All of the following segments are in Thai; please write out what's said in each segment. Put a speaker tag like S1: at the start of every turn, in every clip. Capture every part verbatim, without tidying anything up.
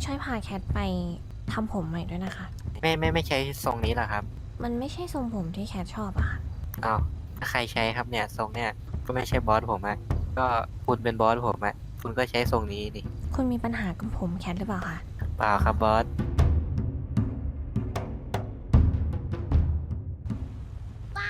S1: ช่วยพาแคทไปทำผมใหม่ด้วยนะคะ
S2: ไม่ไม่ไม่ใช้ทรงนี้หรอครับ
S1: มันไม่ใช่ทรงผมที่แคทชอบอะค่ะ
S2: อ้าวถ้าใครใช้ครับเนี่ยทรงเนี่ยก็ไม่ใช่บอสผมอะก็คุณเป็นบอสผมอะคุณก็ใช้ทรงนี้นี่
S1: คุณมีปัญหากับผมแคทหรือเปล่าคะ
S2: เปล่าครับบอส
S3: ว้า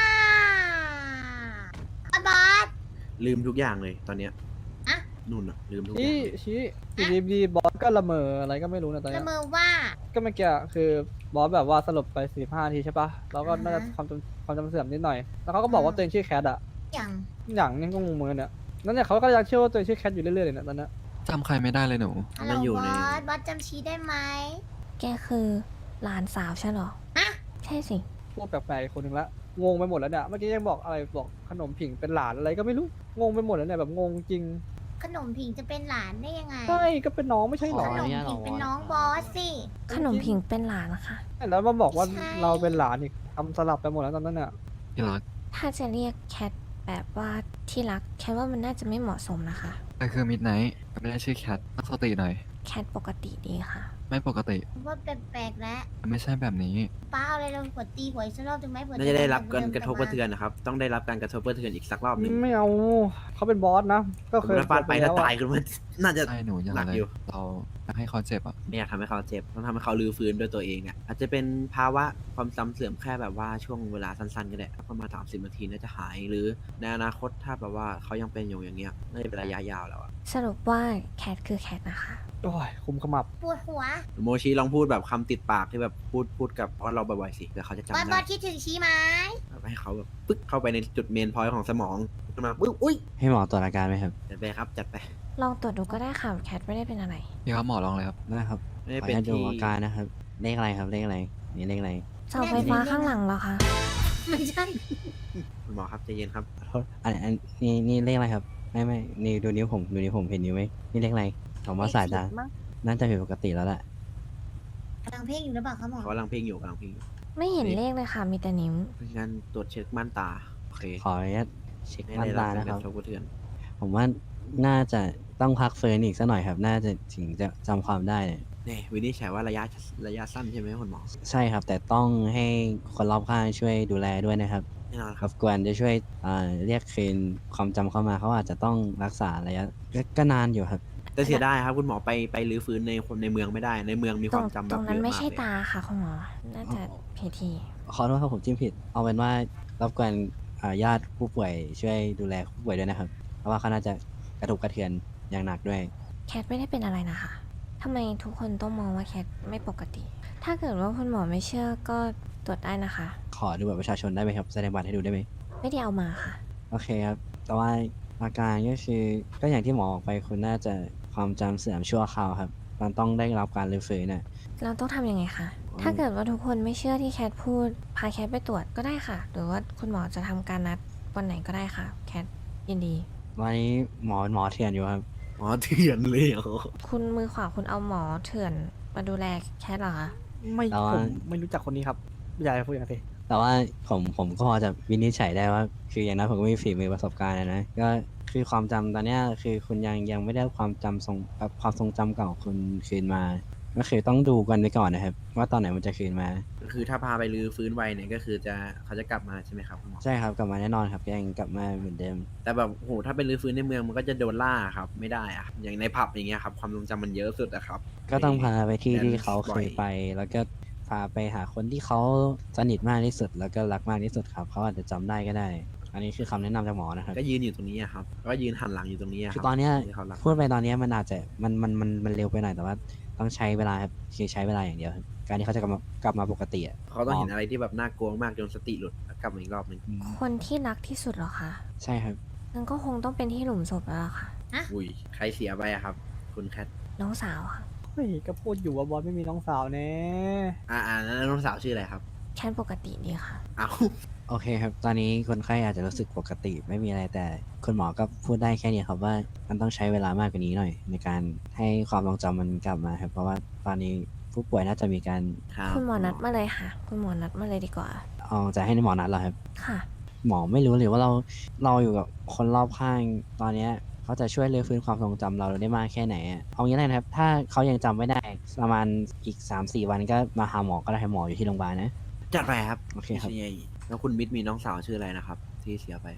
S3: บอส
S4: ลืมทุกอย่างเลยตอนเนี้ย
S3: อะ
S4: นุ่นอะลืมทุกอ
S5: ชี้
S4: ย่างเลย
S5: ชี้อยู่ดีๆบอสก็ละเมออะไรก็ไม่รู้นะตอน
S3: ละ
S5: เนี้ย
S3: เมอว่า
S5: ก็เมื่อกี้คือบอสแบบว่าสลบไปสี่ห้านาทีใช่ปะแล้วก็น่าจะ
S3: อ่าฮะ
S5: ความจำความจำเสื่อมนิดหน่อย แล้วเขาก็บอกว่า
S3: อ่า
S5: ตัวเองชื่อแคทอะ
S3: อย่าง
S5: อย่างนี้ก็งงเหมือนกันเนี่ยนั่นเนี่ยเขาก็ยังเชื่อว่าตัวเองชื่อแคทอยู่เรื่อยๆเลยเนี่ยตอนเนี้ย
S6: จำใครไม่ได้เลยหนู
S3: ฮัลโหล
S4: มันอยู่
S3: บ
S4: ใน
S3: อส บอสจำชี้ได้ไหม
S1: แกคือหลานสาวใช่เหรอ
S3: ฮะ
S1: ใช่สิ
S5: พูดแปลกๆอีกคนหนึ่งละงงไปหมดแล้วเนี่ยเมื่อกี้ยังบอกอะไรบอกขนมผิงเป็นหลานอะไรก็ไม่รู้งงไปหมดแล้วเนี่ยแบบงงจริง
S3: ขนมผิงจะเป็นหลานได้ยังไง
S5: ใช่ก็เป็นน้องไม่ใช่หร
S3: ข
S5: อน
S3: มผิงเป็นน้องบอสสิ
S1: ขนมผิงเป็นหลานนะคะ
S5: แล้วมาบอกว่า
S3: ใช่
S5: เราเป็นหลานอีกทำสลับไปหมดแล้วตอนนั้นเนี่ย
S6: ที่รัก
S1: ถ้าจะเรียกแคทแบบว่าที่รักแคทว่ามันน่าจะไม่เหมาะสมนะคะ
S6: แต่คือมิดไนท์ไม่ได้ชื่อแคทตั้งสติหน่อย
S1: แคทปกติดีค่ะ
S6: ไม่ปกติ
S3: ว่าแปลกๆแล้ว
S6: ไม่ใช่แบบนี้
S3: ป้าเอาอะไรเราหัวตีหัวอีกสักรอบถึงไหมหัว
S4: น่าจะได้รับการ
S3: เดิม
S4: กระทบกระเทือนนะครับ ต้องได้รับการกระทบกระเทือนอีกสักรอบหนึ่ง
S5: ไม่เอาเขาเป็นบอสนะก็เคย
S4: ถ้าฟาดไปถ้าตายขึ้นมาน่าจะ
S6: ใช่หนูอย่า
S4: หนัก
S6: เลย
S4: อยู่
S6: เราอยากให้เขาเจ็บอ่ะ
S4: ไม่อยากทำให้เขาเจ็บต้องทำให้เขาลื้อฟื้นด้วยตัวเองอ่ะอาจจะเป็นภาวะความจำเสื่อมแค่แบบว่าช่วงเวลาสั้นๆก็ได้ประมาณสามสิบนาทีน่าจะหายหรือในอนาคตถ้าแบบว่าเขายังเป็นอยู่อย่างเงี้ยน่าจะเป็นระยะยาวแล้วอะ
S1: สรุปว่าแคทคือแคทนะคะ
S5: โอ้ยคุมขมับ
S3: ปวดหัว
S4: โมชิลองพูดแบบคำติดปากที่แบบพูดพูดกับพอเราบ่อยๆสิเดี๋ยวเขาจะจำ
S3: บอสบ
S4: ได้
S3: อสคิดถึงชี้ไหม
S4: แบบให้เขาแบบปึ๊กเข้าไปในจุดเมนพอยต์ของสมองขึ้นมาปึ๊บอุ้ย
S7: ให้หมอตรวจอาการไหมครับ
S4: จัดไปครับจัดไป
S1: ลองตรวจดูก็ได้ค่ะแคทไม่ได้เป็นอะไร
S6: พี่ครับหมอลองเลยครับ
S7: ได้ครับ
S4: ไม่ได้
S7: ขออ
S4: เป็น
S7: นุญาตดู
S4: ที่
S7: อาการนะครับ เลขอะไรครับ เลขอะไร นี่เลขอะไร
S1: เสาไฟฟ้าข้างหลังเหรอคะ
S3: ไม่ใช่
S4: คุณหมอครับใจเย็นครับ
S7: ขอโทษอันอันนี่นี่เลขอะไรครับ ไม่ไม่นี่ดูนิ้วผม ดูนิ้วผมเห็นนิ้วไหมนี่เลขอะไรผมว่าสายตา น่าจะผิดปกติแล้วแหละ
S3: กำลังเพ่งอยู่หรือเปล่าคะหมอ
S4: เขากำลังเพ่งอยู่กำลังเพ่งอยู่
S1: ไม่เห็นเลขเลยค่ะ มีแต่นิ้ว
S4: เพราะฉะนั้นตรวจเช็คม่านตาโอเค
S7: ขออนุญาตเช็ค
S4: ไม่
S7: ม่าน
S4: ได้รับ
S7: ตา
S4: การ
S7: นะ
S4: ก
S7: ครับ
S4: ระทบกระเทือน
S7: ผมว่าน่าจะต้องพักเฟิร์นอีกสักหน่อยครับ น่าจะถึงจะจำความได้
S4: นี่วินิจฉัยว่าระยะระยะสั้นใช่ไหมคุณหมอ
S7: ใช่ครับ แต่ต้องให้คนรอบข้างช่วยดูแลด้วยนะครับ
S4: แน่นอนค
S7: ร
S4: รับบ
S7: กวนจะช่วยอ่าเรียกคืนความจำเข้ามาเขาอาจจะต้องรักษาระยะก็ก็นานอยู่ครับ
S4: แต่เสียดายครับคุณหมอไปไปรื้อฟื้นในคนในเมืองไม่ได้ในเมืองมี
S1: ต
S4: ค
S1: ร
S4: วาง มจำแบ
S1: ตร
S4: บ
S1: ง
S4: เย
S1: นั้น
S4: อะ
S1: ไม่
S4: มาก
S1: ใช่
S4: เลย
S1: ตาค่ะคุณหมอ น่าจะผิดที
S7: ขอโทษครับผมจิ้มผิด เอาเป็นว่ารบกวนอ่าญาติผู้ป่วยช่วยดูแลผู้ป่วยด้วยนะครับ เพราะว่าเขาน่าจะกระทบกระเทือนอย่างหนักด้วย
S1: แคทไม่ได้เป็นอะไรนะคะ ทำไมทุกคนต้องมองว่าแคทไม่ปกติ ถ้าเกิดว่าคุณหมอไม่เชื่อก็ตรวจได้นะคะ
S7: ขอดูบัตรประชาชนได้ไหมครับแสดงบัตรให้ดูได้ไหม
S1: ไม่ได้เอามาค่ะ
S7: โอเคครับ แต่ว่าอาการก็คือก็อย่างที่หมอบอกไปคุณน่าจะความจำเสื่อมชั่วคราวครับมันต้องได้รับการรื้อฟื้นน่ะ
S1: เราต้องทำยังไงคะ ถ้าเกิดว่าทุกคนไม่เชื่อที่แคทพูด พาแคทไปตรวจก็ได้ค่ะ หรือว่าคุณหมอจะทำการนัดวันไหนก็ได้ค่ะ แคทยินดี
S7: วันนี้หมอหมอเถื่อนอยู่ครับ
S4: หมอเถื่อนเลยเหรอ
S1: คุณมือขวาคุณเอาหมอเถื่อนมาดูแลแคทเหรอคะ
S5: ไม่
S7: แต่ว่า
S5: ผมไม่รู้จักคนนี้ครับอย่าไปพูดอย่างนั้นสิ
S7: แต่ว่าผมผมก็พอจะวินิจฉัยได้ว่า คืออย่างนั้นผมก็มีฝีมือประสบการณ์นะนะก็คือความจำตอนเนี้ยคือคุณยังยังไม่ได้ความจำทรงแบบความทรงจำเก่าคุณคืนมา ก็คือต้องดูกันไปก่อนนะครับ ว่าตอนไหนมันจะคืนมา
S4: คือถ้าพาไปรื้อฟื้นไวเนี่ยก็คือจะเขาจะกลับมาใช่ไหมครับคุณหมอ
S7: ใช่ครับกลับมาแน่นอนครับยังกลับมาเหมือนเดิม
S4: แต่แบบโหถ้าเป็นรื้อฟื้นในเมืองมันก็จะโดนล่าครับไม่ได้อะอย่างในผับอย่างเงี้ยครับความทรงจำมันเยอะสุดอะครับ
S7: ก็ต้องพาไปที่
S4: แดน
S7: ที่เขา
S4: บ่
S7: เค
S4: อย
S7: ยไป แล้วก็พาไปหาคนที่เขาสนิทมากที่สุด แล้วก็รักมากที่สุดครับเขาอาจจะจำได้ก็ได้ อันนี้คือคำแนะนำจากหมอนะครับ
S4: ก็ยืนอยู่ตรงนี้อะครับก็ยืนหันหลังอยู่ตรงนี้ะรับ
S7: คือตอนเนี้ย
S4: ที่เขารัก
S7: พูดไปตอนเนี้ยมันอาจจะมันมันมันมันเร็วไปหน่อยแต่ว่าต้องใช้เวลาครับคือใช้เวลาอย่างเดียวครับการที่เขาจะกลับมากลับมาปกติอะ
S4: เขาต้องเห็นอะไรที่แบบน่ากลัวมากจนสติหลุดแล้วกลับมาอีกรอบหนึ่ง
S1: คนที่รักที่สุดเหรอคะ
S7: ใช่ครับ
S1: งั้นก็คงต้องเป็นที่หลุมศพแล้วล่ะค่ะ
S4: อุ้ยใครเสียไปอะครับ คุณแคท
S1: น้องสาวค่ะ
S5: เฮ้ยก็พูดอยู่ว่าบอสไม่มีน้องสาวแน่
S4: อ่าอ่าแล้วน้องสาวชื่ออะไรครับ
S1: แคทปกติดีค่ะ
S4: เอ้า
S7: โอเคครับ ตอนนี้คนไข้อาจจะรู้สึกปกติไม่มีอะไรแต่คุณหมอก็พูดได้แค่นี้ครับว่ามันต้องใช้เวลามากกว่านี้หน่อย ในการให้ความทรงจำมันกลับมาครับเพราะว่าตอนนี้ผู้ป่วยน่าจะมีการ
S4: ครับ
S1: คุณหมอนัดมาเลยค่ะ คุณหมอนัดมาเลยดีกว่า
S7: เอาจะให้หมอนัดเหรอครับ
S1: ค่ะ
S7: หมอไม่รู้เลยว่าเราเราอยู่กับคนรอบข้างตอนเนี้ยเขาจะช่วยรื้อฟื้นความทรงจำเราได้มากแค่ไหนอะเอางี้เลยนะครับ ถ้าเขายังจำไม่ได้ประมาณอีก สามสี่ วันก็มาหาหมอก็ได้ให้หมออยู่ที่โรงพยาบาลนะ
S4: จัดไปครับ
S7: โอเคครับ
S4: พี่ชิยแล้วคุณมิตรมีน้องสาวชื่ออะไรนะครับ ที่เสียไป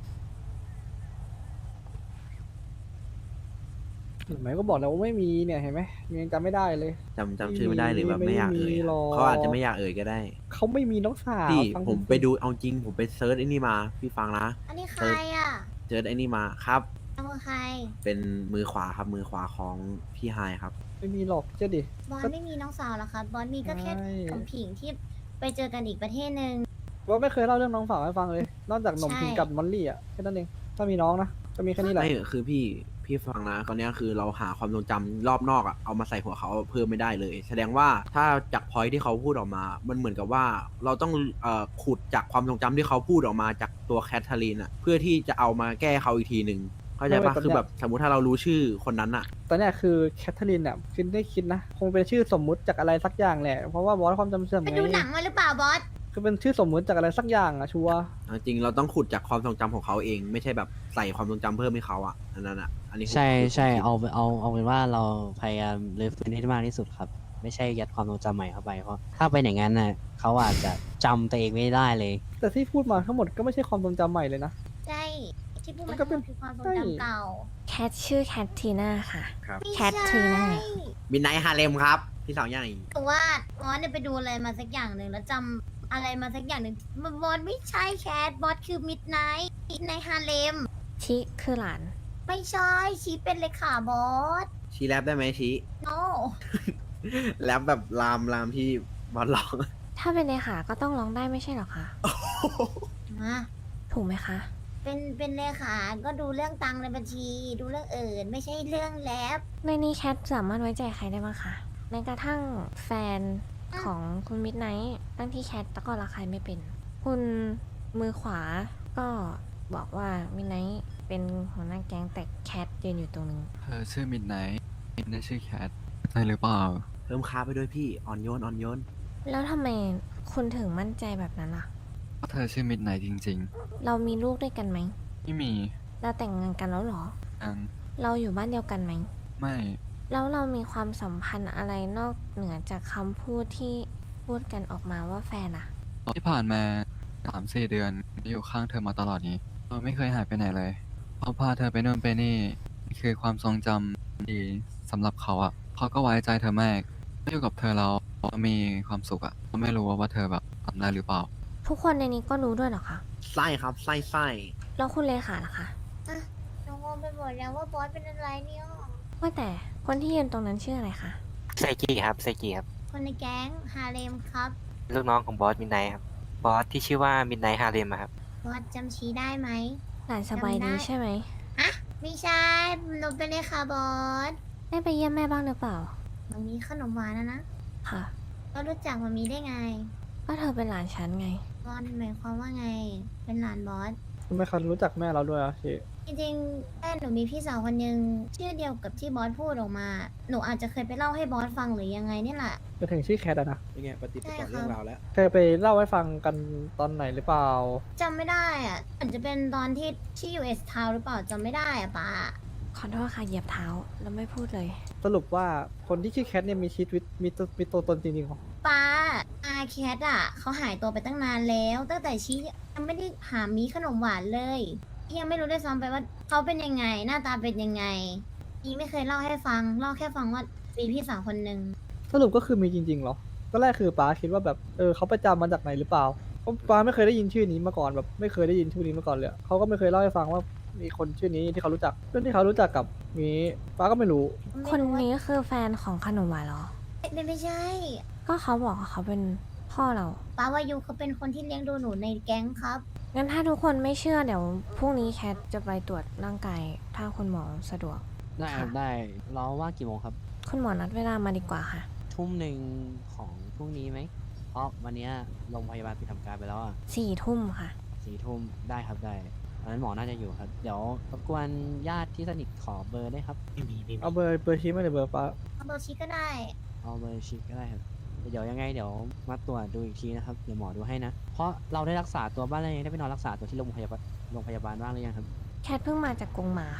S5: เห็นไหมก็บอกแล้วว่าไม่มีเนี่ยเห็นไหมยังจำไม่ได้เลย
S4: จำจำชื่อไม่ได้หรือแบบไม่อยากเอ่ย
S5: ไม่มี
S4: อะ
S5: หรอก
S4: เขาอาจจะไม่อยากเอ่ยก็ได้
S5: เขาไม่มีน้องสาว
S4: พี่
S5: ฟัง
S4: ผม
S5: จริงๆ
S4: ไปดูเอาจริง ผมไปเซิร์ชไอ้นี่มา พี่ฟังนะ
S3: อันนี้ใครอ่ะ
S4: เจอไอ้นี่มาครับ
S3: เอามือใคร
S4: เป็นมือขวาครับมือขวาของพี่ไฮครับ
S5: ไม่มีหรอกเชื่อดิ
S3: บอสไม่มีน้องสาวเหรอคะบอสมีก็แค่
S5: ใช่
S3: ของผิงที่ไปเจอกันอีกประเทศหนึ่ง
S5: ว่าไม่เคยเล่าเรื่องน้องสาวให้ฟังเลย นอกจากหนม
S3: ใช่
S5: พิงกับมอลลี่อ่ะแค่นั้นเองถ้ามีน้องนะก็มีแค่นี้แหละ
S4: ไม่คือพี่พี่ฟังนะตอนเนี้ยคือเราหาความทรงจำรอบนอกอะเอามาใส่หัวเขาเพิ่มไม่ได้เลย แสดงว่าถ้าจากพอยที่เขาพูดออกมา มันเหมือนกับว่าเราต้องเอ่อขุดจากความทรงจำที่เขาพูดออกมาจากตัวแคทเธอรีนอะเพื่อที่จะเอามาแก้เขาอีกทีหนึ่งเข้าใจปะคือแบบสมมุติถ้าเรารู้ชื่อคนนั้นอะ
S5: ตอนเนี้ยคือแคทเธอรีนเนี่ยคิดได้คิดนะ คงเป็นชื่อสมมุติจากอะไรสักอย่างแหละ เพราะว่าบอสความจำเสื่อม
S3: ไป
S5: ไง
S3: ดูหนังมาหรือเปล่าบอส
S5: คือเป็นชื่อสมมุติจากอะไรสักอย่างอะชัวร์
S4: เอาจริงเราต้องขุดจากความทรงจำของเขาเอง ไม่ใช่แบบใส่ความทรงจำเพิ่มให้เขาอะอันนั้นอะอันนี้ผม
S7: ใช่
S4: ผม
S7: ใช่
S4: คิด
S7: เอาเอาเอาเป็นว่าเราพยายามรื้อฟื้นให้ได้มากที่สุดครับ ไม่ใช่ยัดความทรงจำใหม่เข้าไปเพราะถ้าเป็นอย่างนั้นน่ะเขาอาจจะจำตัวเองไม่ได้เลย
S5: แต่ที่พูดมาทั้งหมดก็ไม่ใช่ความทรงจำใหม่เลยนะ
S3: ใช่ที่พูด
S5: มั
S3: มาน
S5: ก็
S3: ทั้งห
S5: เป็น
S3: มดคือความทรง
S5: ใช่
S3: จำเก่า
S1: แคทชื่อแคททีน่าค่ะ
S4: ครับ
S3: ไม่
S1: แคท
S3: ใช่
S1: ทีน่า
S4: มินไนท์ฮาเลมครับ พี่สาวใหญ่
S3: แต่ว่าบอสเนี่ยไปดูอะไรมาสักอย่างหนึ่งแล้วจำอะไรมาสักอย่างหนึ่งมันบอสไม่ใช่แคทบอสคือมิดไนท์มิดไนท์ฮาเลม
S1: ชิคือหลาน
S3: ไม่ใช่ชีเป็นเลขาบอส
S4: ชี้แรปได้ไหมชี้
S3: โน
S4: แรปแบบลามลามที่บอลร้อง
S1: ถ้าเป็นในขาก็ต้องร้องได้ไม่ใช่เหรอคะ
S3: มา
S1: ถูกไหมคะ
S3: เป็นเป็นเลขาก็ดูเรื่องตังค์ในบัญชี ดูเรื่องอื่น ไม่ใช่เรื่องแลบ
S1: ในนี้แคทสามารถไว้ใจใครได้บ้างคะแม้กระทั่งแฟนของคุณมิดไนท์ตั้งที่แคทตะก็รักใครไม่เป็น คุณมือขวาก็บอกว่ามิดไนท์เป็นหัวหน้าแก๊งแต่แคทยืนอยู่ตรงนึง
S6: เธอชื่อมิดไนท์ไม่ได้ชื่อแคทใช่หรือเปล่า
S4: เพิ่มค้าไปด้วยพี่ อ่อนโยนอ่อนโยน
S1: แล้วทำไมคุณถึงมั่นใจแบบนั้นล่ะ
S6: เพราะเธอชื่อมิดไนท์จริง
S1: เรามีลูกด้วยกันไหม
S6: ๆ ไม่มี
S1: เราแต่งงานกันแล้วเหรอ
S6: อัน
S1: เราอยู่บ้านเดียวกันไหม
S6: ไม่
S1: แล้วเรามีความสัมพันธ์อะไรนอกเหนือจากคำพูดที่พูดกันออกมาว่าแฟนอะ
S6: ที่ผ่านมาสามสี่เดือนอยู่ข้างเธอมาตลอดนี้ เราไม่เคยหายไปไหนเลยเขาพาเธอไปโน่นไปนี่นี่คือความทรงจำดีสำหรับเขาอะเขาก็ไว้ใจเธอมากไม่อยู่กับเธอเราเรามีความสุขอะเราไม่รู้ว่าเธอแบบทำได้หรือเปล่า
S1: ทุกคนในนี้ก็รู้ด้วยเหรอคะ
S4: ไส้ครับ ไส้ไส้
S1: แล้วคุณเลขาล่ะคะ
S3: น้องงงไปหมดแล้วว่าบอสเป็นอะไรเนี่ย
S1: ว่าแต่คนที่ยืนตรงนั้นชื่ออะไรคะ
S2: ไซกิครับไซกิครับ
S3: คนในแก๊งฮาเลมครับ
S2: ลูกน้องของบอสมินไนท์ครับ บอสที่ชื่อว่ามินไนท์ฮาเลมครับ
S3: บอสจำชี้ได้ไหม
S1: หลานสบายดี
S3: จำได้
S1: ใช่ไหม
S3: ไม่ใช่หนูเป็นเลขาบอส
S1: ได้ไปเยี่ยมแม่บ้างหรือเปล่า
S3: มันมีขนมหวานนะนะ
S1: ค่ะ
S3: ก็รู้จักมันมีได้ไง
S1: ก็เธอเป็นหลานฉันไง
S3: บอสหมายความว่าไง เป็นหลานบอส
S5: ทำไมเขารู้จักแม่เราด้วยอะชี
S3: จริงๆแม่หนูมีพี่สาวคนหนึ่งชื่อเดียวกับที่บอสพูดออกมา หนูอาจจะเคยไปเล่าให้บอสฟังหรือยังไงเนี่ยแหละ
S5: จะถึงชื่อแคทอะนะ
S4: เป็นไงปฏิป
S3: ใช่
S4: ต่อ
S3: ครับ
S4: เรื่องราวแล้ว
S5: เคยไปเล่าให้ฟังกันตอนไหนหรือเปล่า
S3: จำไม่ได้อะอาจจะเป็นตอนที่ที่ยูเอสทาวหรือเปล่าจำไม่ได้อะป้า
S1: ขอโทษค่ะเหยียบเท้าแล้วไม่พูดเลย
S5: สรุปว่าคนที่ชื่อแคทเนี่ยมีชีวิตมีตัวมีตัวตนจริงๆเหรอ
S3: ป้าอาแคทอ่ะเขาหายตัวไปตั้งนานแล้ว ตั้งแต่ชี้ยังไม่ได้หามีขนมหวานเลยยังไม่รู้ด้วยซ้ำไปว่าเขาเป็นยังไง หน้าตาเป็นยังไงอีไม่เคยเล่าให้ฟังเล่าแค่ฟังว่ามีพี่สาวคนหนึ่ง
S5: สรุปก็คือมีจริงๆเหรอตอนแรกคือป้าคิดว่าแบบเออเขาไปจำมาจากไหนหรือเปล่าเพราะป้าไม่เคยได้ยินชื่อนี้มาก่อนแบบไม่เคยได้ยินชื่อนี้มาก่อนเลยเขาก็ไม่เคยเล่าให้ฟังว่ามีคนชื่อนี้ที่เขารู้จักเรื่องที่เขารู้จักกับมีป้าก็ไม่รู้
S1: คน
S3: ไม่รู้ว่า
S1: นี้คือแฟนของขนมหวานเหรอ
S3: ไม่ไม่ใช่
S1: ก็เขาบอกว่าเขาเป็นพ่อเรา
S3: ป้าวายุเขาเป็นคนที่เลี้ยงดูหนูในแก๊งครับ
S1: งั้นถ้าทุกคนไม่เชื่อเดี๋ยวพรุ่งนี้แคทจะไปตรวจร่างกายถ้าคุณหมอสะดวก
S7: ได้ครับ
S1: ค่ะ
S7: ได้เราว่างกี่โมงครับ
S1: คุณหมอนัดเวลามาดีกว่าค่ะ
S7: ทุ่มหนึ่งของพรุ่งนี้ไหมเพราะวันเนี้ยโรงพยาบาลปิดทำการไปแล้วอ่ะ
S1: สี่ทุ่มค่ะ
S7: สี่ทุ่มได้ครับได้อันนั้นหมอน่าจะอยู่ครับ เดี๋ยวรบกวนญาติที่สนิทขอเบอร์ได้ครับ
S2: ไม่มีไม่มี
S5: เอาเบอร์เบอร์ชี้มาเลยเบอร์ป้า
S3: เอาเบอร์ชีก็ได้
S7: เอาเบอร์ชิคก็ได้ครับ เดี๋ยวยังไงเดี๋ยวมาตรวจดูอีกทีนะครับ เดี๋ยวหมอดูให้นะ เพราะเราได้รักษาตัวบ้านแล้วยังได้ไปนอนรักษาตัวที่โรงพยาบาลโรงพยาบาลบ้างหรือยังครับ
S1: แคทเพิ่งมาจากกรงหมาค่ะ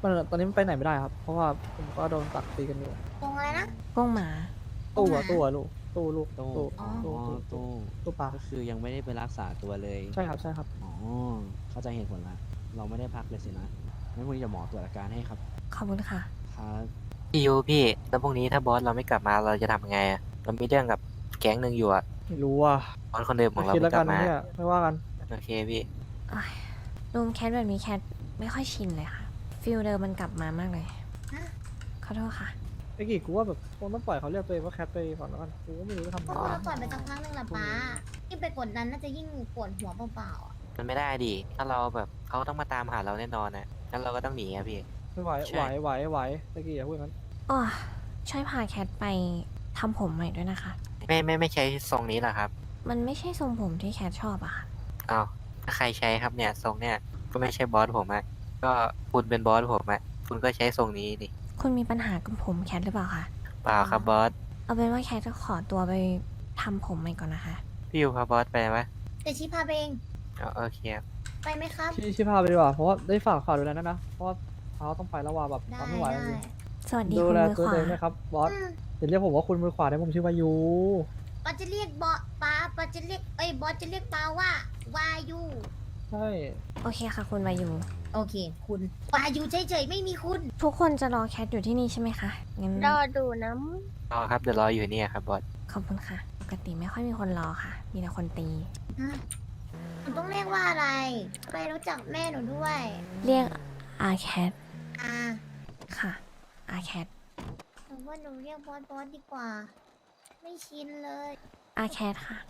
S5: มันตอนนี้มันไปไหนไม่ได้ครับ เพราะว่าผมก็โดนตักตีกันอยู่
S3: ตรงอะไรนะ
S1: ก้งหมา
S5: ตู้
S3: ห
S5: อะ
S3: มา
S5: ตู้อะลูกตู้ลูก
S7: ตู้
S5: ตู้
S3: อ๋อ
S7: อ๋อ
S5: ตู้ตู้
S7: ตู้
S5: ตู้ปลา
S7: ก็คือยังไม่ได้ไปรักษาตัวเลย
S5: ใช่ครับใช่ครับ
S7: อ๋อ เข้าใจเหตุผลละ เราไม่ได้พักเลยสินะงั้นพรุ่งนี้เดี๋ยวหมอตรวจอาการให้ครับ
S1: ขอบคุณค่ะ
S7: ครับ
S2: พี่ยูพี่แล้วพรุ่งนี้ถ้าบอสเราไม่กลับมาเราจะทำยังไงอะเรามีเรื่องกับแก๊งหนึ่งอยู่อะ
S5: ไม่รู้อ่ะ
S2: บอสคนเดิมของเรา
S5: คิด
S2: ไม่
S5: แล้ว
S2: ก
S5: กั
S2: ลั
S5: น
S2: บมา
S5: เนี่ยไม่ว่ากัน
S2: โอเคพี่
S1: โอ้ยรูมแคทแบบนี้แคทไม่ค่อยชินเลยค่ะ ฟิลเดิมมันกลับมามากเลย
S3: ฮะ
S1: ขอโทษค่ะ
S5: ไอ้กี่กูว่าแบบคงต้องปล่อยเขาเรียกตัวเองว่าแคทไปก่อนแล้วกันกูก็ไม่รู้จะทำ
S3: ก็
S5: ไง
S3: เราปล่อยไปสักพักหนึงแหละป้ายิ่งไปกดดันน่าจะยิ่งปวดหัวเปล่าๆอะ
S2: มันไม่ได้ดิถ้าเราแบบเขาต้องมาตามหาเราแน่นอนนะงั้นเราก็ต้องหนีอะพี่
S5: ไม่ไหว
S2: ใช่
S5: ไหวไหวไหวไอ้กี่อย่าพูดอย่างนั้น
S1: อ๋อ ช่วยพาแคทไปทำผมใหม่ด้วยนะคะ
S2: ไม่ไม่ไม่ใช้ทรงนี้เหรอครับ
S1: มันไม่ใช่ทรงผมที่แคทชอบอะค่ะ
S2: อ้าวถ้าใครใช้ครับเนี่ยทรงเนี่ยก็ไม่ใช่บอสผมอะก็คุณเป็นบอสผมอะคุณก็ใช้ทรงนี้ดิ
S1: คุณมีปัญหากับผมแคทหรือเปล่าคะ
S2: เปล่าครับบอส
S1: เอาเป็นว่าแคทจะขอตัวไปทำผมใหม่ก่อนนะคะ
S2: พี่ยูพาบอสไปไหม
S3: แต่ชี้พาไปเอง
S2: อ๋อโอเคครับ
S3: ไปไหมครับ
S5: ชี้ชี้พาไปดีกว่าเพราะว่าได้ฝากฝากดูแลนะนะเพราะว่าเขาต้องไปแล้วว่าแบบ
S3: ได้
S5: ทำไม่ไหวจ
S3: ได้
S5: ริง
S1: สวัสดี
S5: ดู
S1: คุณ
S5: แล
S1: มือ
S5: ตัว
S1: ขวา
S5: เองนะครับบอส
S3: อืม
S5: อย่าเรียกผมว่าคุณมือขวาได้ผมชื่อวายู
S3: บอสจะเรียกบอสป้าบอสจะเรียกเอ้ยบอสจะเรียกป้าว่าวายู
S5: ใช่
S1: โอเคค่ะ คุณวายุ
S3: โอเค คุณวายูเฉยๆไม่มีคุณ
S1: ทุกคนจะรอแคทอยู่ที่นี่ใช่ไหมคะ งั้น
S3: รอดูน้
S2: รอครับเดี๋ยวรออยู่เนี่ยครับบอส
S1: ขอบคุณค่ะ ปกติไม่ค่อยมีคนรอค่ะ มีแต่คนตี
S3: ำฮะหนูต้องเรียกว่าอะไรไปรู้จักแม่หนูด้วย
S1: เรียกอาแคท
S3: อ่า
S1: ค่ะอาแคท
S3: หนูว่าหนูเรียกบอสบอสดีกว่า ไม่ชินเลย
S1: อาแคทค่ะ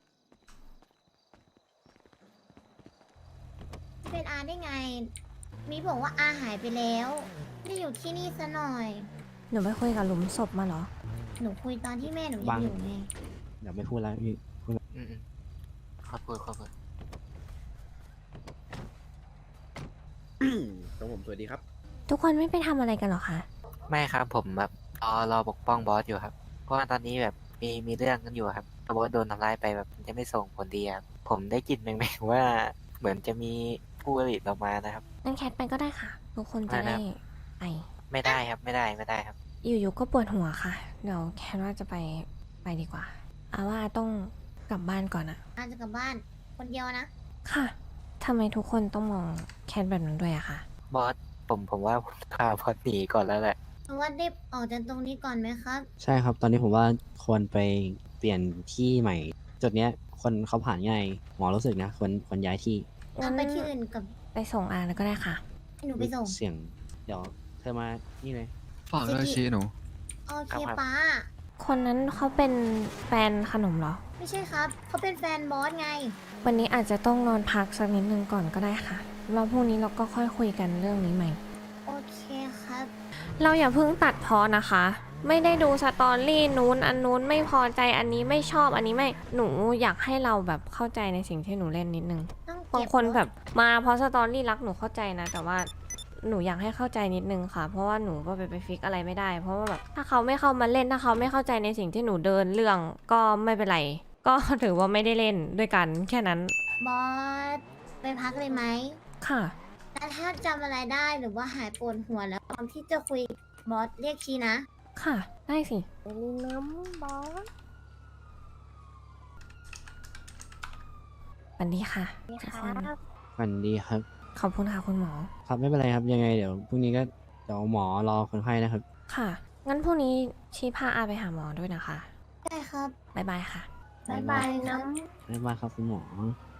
S3: เป็นอาได้ไง มีบอกว่าอาหายไปแล้วไม่ได้อยู่ที่นี่ซะหน่อย
S1: หนูไปคุยกับหลุมศพมาเหรอ
S3: หนูคุยตอนที่แม่หนูยั
S7: บั
S3: ง
S7: ง
S3: อยู่ไง
S7: เดี๋ยวไม่พูดแล้วพี่พูด
S2: อืมๆขอบคุณขอบคุณ
S4: ครับผมสวัสดีครับ
S1: ทุกคนไม่ไปทำอะไรกันเหรอคะ
S2: ไม่ครับผมแบบรอรอปกป้องบอสอยู่ครับ เพราะว่าตอนนี้แบบมีมีเรื่องกันอยู่ครับถ้าบอสโดนทำร้ายไปแบบมันจะไม่ส่งผลดีครับผมได้กลิ่นแม่งๆว่าเหมือนจะมีผู้ผลิตออกมานะครับ
S1: งั้นแคทไปก็ได้ค่ะ ทุกคนจะ
S2: ได้
S1: ได้
S2: ครับ
S1: ไป
S2: ไม่ได้ครับไม่ได้ไม่ได้ครับ
S1: อยู่ๆก็ปวดหัวค่ะ เดี๋ยวแคทว่าจะไปไปดีกว่าอาว่าต้องกลับบ้านก่อนอะ
S3: อาจจะกลับบ้าน คนเดียวนะ
S1: ค่ะทำไมทุกคนต้องมองแคทแบบนั้นด้วยอะคะ
S2: บอสผมผมว่าผมพาบอสหนีก่อนแล้วแหละ
S3: หรือว่ารีบออกจากตรงนี้ก่อนไหมครับ
S7: ใช่ครับ ตอนนี้ผมว่าควรไปเปลี่ยนที่ใหม่ จุดเนี้ยคนเขาผ่านง่ายหมอรู้สึกนะควรควรย้ายที่
S3: งั้นไปที่อื่นกับ
S1: ไปส่งอาแล้วก็ได้ค่ะ
S3: ให้หนูไปส่ง
S7: เสียง เดี๋ยวเธอมานี่เลย
S6: ฝากด้วย
S3: เจ๊กี้
S6: ชี้หนู
S3: โอเค
S2: ครับ
S3: ป้า
S1: คนนั้นเขาเป็นแฟนขนมเหรอ
S3: ไม่ใช่ครับ เขาเป็นแฟนบอสไง
S1: วันนี้อาจจะต้องนอนพักสักนิดนึงก่อนก็ได้ค่ะแล้วพรุ่งนี้เราก็ค่อยคุยกันเรื่องนี้ใหม่
S3: โอเคครับ
S1: เราอย่าเพิ่งตัดพอนะคะ ไม่ได้ดูสตอรี่นู้นอันนู้นไม่พอใจอันนี้ไม่ชอบอันนี้ไม่หนูอยากให้เราแบบเข้าใจในสิ่งที่หนูเล่นนิดนึง
S3: ต้อง
S1: บาง
S3: เก็บ
S1: คน
S3: รถ
S1: แบบมาเพราะสตอรี่รักหนูเข้าใจนะ แต่ว่าหนูอยากให้เข้าใจนิดนึงค่ะ เพราะว่าหนูก็ไปไปฟิกอะไรไม่ได้ เพราะว่าแบบถ้าเขาไม่เข้ามาเล่นถ้าเขาไม่เข้าใจในสิ่งที่หนูเดินเรื่องก็ไม่เป็นไร ก็ถือว่าไม่ได้เล่นด้วยกันแค่นั้น
S3: บอส ไปพักเลยไหม
S1: ค่ะ
S3: แต่ถ้าจำอะไรได้หรือว่าหายปวดหัวแล้วพร้อมที่จะคุยบอสเรียกชีนะ
S1: ค่ะ ได้สิ
S3: น้ำบอส
S1: สวัสดีค่ะทุกคน
S7: วันดีครับ
S1: ขอบคุณค่ะคุณหมอ
S7: ครับไม่เป็นไรครับยังไงเดี๋ยวพรุ่งนี้ก็เดี๋ยวหมอรอคนไข้นะครับ
S1: ค่ะ งั้นพรุ่งนี้ชี้พาอาไปหาหมอด้วยนะคะ
S3: ได้ครับ
S1: บ๊ายบายค่ะ
S3: บ๊ายบายน้
S7: บ๊ายบายครับคุณหมอ